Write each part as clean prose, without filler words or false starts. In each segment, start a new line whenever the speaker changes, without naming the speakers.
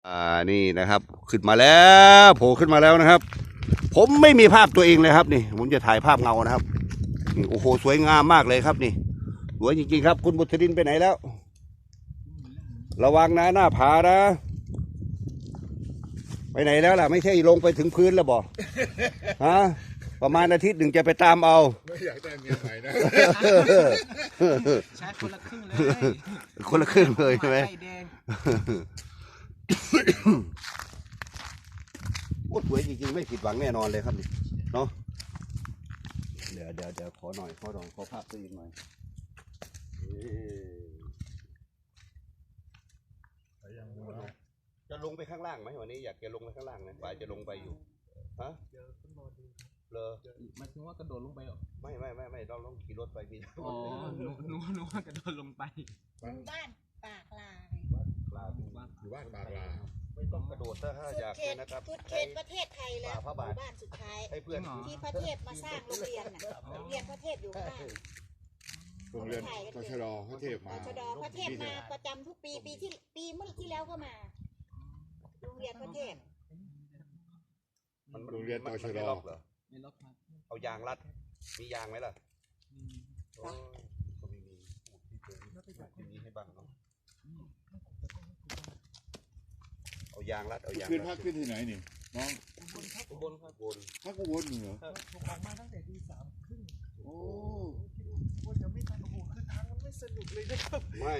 นี่นะครับขึ้นมาแล้วโผล่ขึ้นมาแล้วนะครับ ผมไม่มีภาพตัวเองเลยครับนี่ผมจะถ่ายภาพเงานะครับนี่โอ้โหสวยงามมากเลยครับนี่สวยจริงๆครับคุณบุตรินไปไหนแล้ว ระวังนะหน้าผานะไปไหนแล้วล่ะไม่ใช่ลงไปถึงพื้นแล้วบอกฮะประมาณอาทิตย์หนึ่งจะไปตามเอา
ไม่อยากได้เมียใหม่นะ
ใช้คนละครึ่งเลย
คนละครึ่งเลยใช่ไหมโอ้สวยจริงๆไม่ผิดหวังแน่นอนเลยครับนี่เนาะเดี๋ยวขอหน่อยขอภาพตัวเองหน่อยจะลงไปข้างล่างไหมวันนี้อยากจะลงไปข้างล่างนะป่าจะลงไปอยู่ฮะเลย
หมายถึงว่ากระโดดลงไปหรอ
ไม่เราต้องขี่รถไปพี่
อ๋อหนูว่ากระโดดลงไป
บ้านปากลา
อยู่บ้านปากลา
ไม่ต้องกระโดดถ้าอยากนะครับ
สุดเขตประเทศไทยแล้วบ้านสุดท้าย
ให้เพื่อน
ที่พระเทพมาสร้างโรงเรียนน่ะโรงเรียนพระเทพอยู่ข้าง
โรงเรียนตชดพระเทพมา
พระเทพมาประจำทุกปีเมื่อที่แล้วก็มาโรงเรียนพระเทพ
โรงเรียนตชด
ไม่ล็อกครับ
เอายางรัดมียางไหมล่ะก็ไม่มีที่นี้ให้บ้างเนาะเอายางรัดเอายาง
ขึ้นพักขึ้นที่ไหนนี่น้อง
อุบลครับ
พักอุบลเหรอ
ถูกออกมาตั้งแต่ตี 3:30
โอ้
ว่าจะไม่ทันโอ้โหคือทางมันไม่สนุกเลยนะครับ
ไม่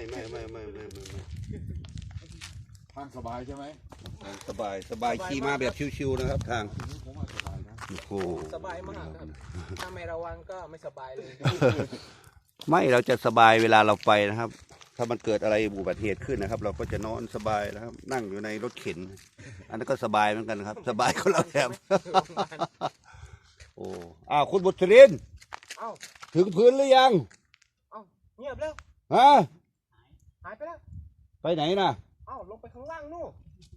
ทางสบายใช่ไหม
สบายขี่มาแบบชิวๆนะครับทางโอ้
สบายมากครับถ้าไม่ระวังก็ไม่สบายเลย
ไม่เราจะสบายเวลาเราไปนะครับถ้ามันเกิดอะไรอุบัติเหตุขึ้นนะครับเราก็จะนอนสบายนะครับนั่งอยู่ในรถเข็นอันนั้นก็สบายเหมือนกันครับสบายคนละแบบโอ้คุณบุตรินถึงพื้นหรือยัง
เงียบแล้ว
ฮะ
หายไปแล้ว
ไปไหนน่ะ
ลงไปข้างล่างนู่น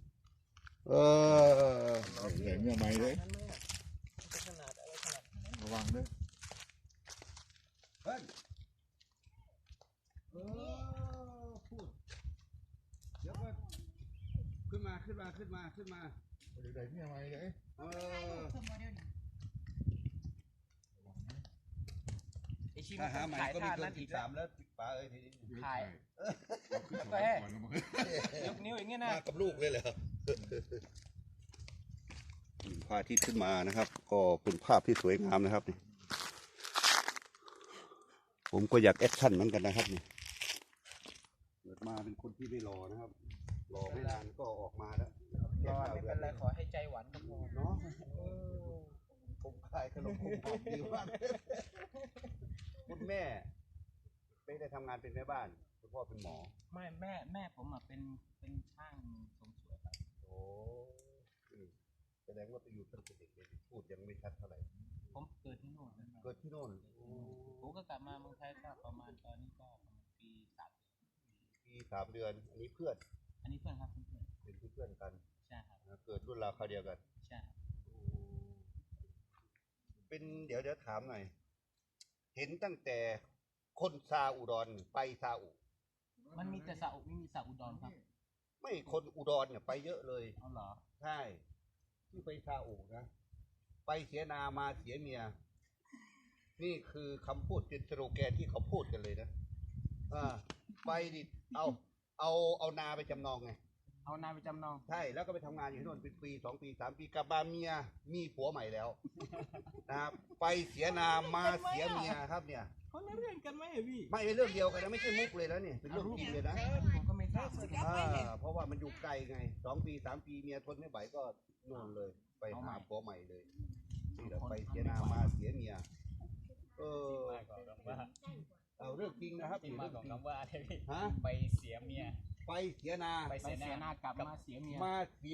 เห็นเมียใหม่เลยระวังด้วย
พูดเดี๋ยวก็ขึ้นมาเดี๋ยว
ได้เมียใหม่เลย
ถ้าหาใหม่ก็มีเกินที่3แล้วป๋าทีนี้
ถ่ายกาแฟยกนิ้วอย่างเงี้ยนะ
มากับลูกเลยเหรอพาที่ขึ้นมานะครับก็เป็นภาพที่สวยงามนะครับนี่ผมก็อยากแอคชั่นเหมือนกันนะครับนี่เกิดมาเป็นคนที่ไม่รอนะครับรอไม่นานก็ออกมาแล้ว
รอไม่เป็นไรขอให้ใจหวานก็พอ
เนาะผมคลายขนมผมหอมดีมากคุณแม่ไม่ได้ทำงานเป็นแม่บ้านคุณพ่อเป็นหมอ
ไม่แม่ผมเป็นช่างทรงสวยครับ
โอ้แสดงว่าไปอยู่ตั้งแต่เด็กเลยพูดยังไม่ชัดเท่าไหร่
ผมเกิดที่โน่น
เกิดที่โน่น
ผมก็กลับมาเมืองไทยก็ประมาณตอนนี้ก็ประมาณปี
3 เดือนอันนี้เพื่อน
ครับ
เป็นเพื่อนกัน
ใช่ครับ
เกิดรุ่นราวคราวเดียวกัน
ใช่
เป็นเดี๋ยวถามหน่อยเห็นตั้งแต่คนซาอุดรไปซาอุ
มันมีแต่ซาอุไม่มีซาอุดรครับ
ไม่คนอุดรเนี่ยไปเยอะเลย
เอาเหรอ
ใช่ที่ไปซาอุนะไปเสียนามาเสียเมียนี่คือคำพูดเป็นสโลแกนที่เขาพูดกันเลยนะไปดิเอานาไปจำนองไง
เอานาไปจำนอง
ใช่แล้วก็ไปทำงานอยู่ที่โน่นเป็นปี2 ปี 3 ปีกลับมาเมียมีผัวใหม่แล้วนะครับไปเสียนามาเสียเมียครับเนี่ย
เขาเรื่องกันไหมพี่
ไม่เป็นเรื่องเดียวกันนะไม่ใช่มุกเลยแล้วเนี่ยเป็นเรื่องจริงเลยนะ
ผมก็ไม่ทราบ
เพราะว่ามันอยู่ไกลไง2 ปี 3 ปีเมียทนไม่ไหวก็นู่นเลยไปหาผัวใหม่เลยนี่เราไปเสียนามาเสียเมียเอาเรื่องจริงนะครับ
ที่มาของคำว่าไปเสียเมีย
ไปเสียน
ากลับมาเสียเมีย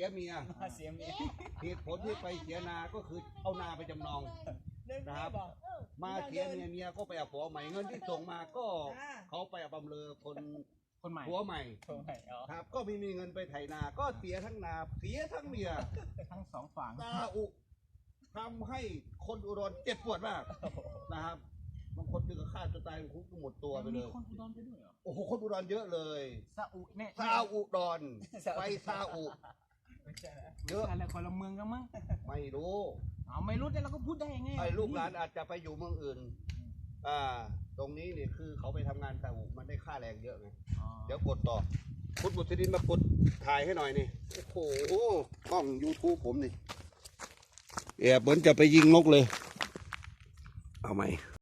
เหตุผลที่ไปเสียนาก็คือเอานาไปจำนองนะครับมาเสียเมียก็ไปเอาผัวใหม่เงินที่ส่งมาก็เขาไปเอาบำเรอคนใหม่ผัวใหม่ครับก็ไม่มีเงินไปไถนาก็เสียทั้งนาเสียทั้งเมีย
ทั้ง2 ฝั่ง
ซาอุทำให้คนอุดรเจ็บปวดมากนะครับบางคนถึงกับฆ่าตัวตายคุกหมดตัวไปเล
มี
ย
คนอุดรไปด้วยเหรอ
โอ้โหคนอุดรเยอะเลย
ซาอุเนี่ย
ซาอุดรไปซาอุเยอะ
อะไรคนละเมืองกันมั้ง
ไม่รู้
เอาไม่รู้แต่เราก็พูดได้ยังไง
ไอ้ลูกหลานอาจจะไปอยู่เมืองอื่นตรงนี้นี่คือเขาไปทำงานซาอุมันได้ค่าแรงเยอะไง
อ๋อ
เดี๋ยวกดต่อคุณบุตรดินมากดถ่ายให้หน่อยนี่โอ้โหกล้อง YouTube ผมนี่แอบเหมือนจะไปยิงนกเลย เอาไหม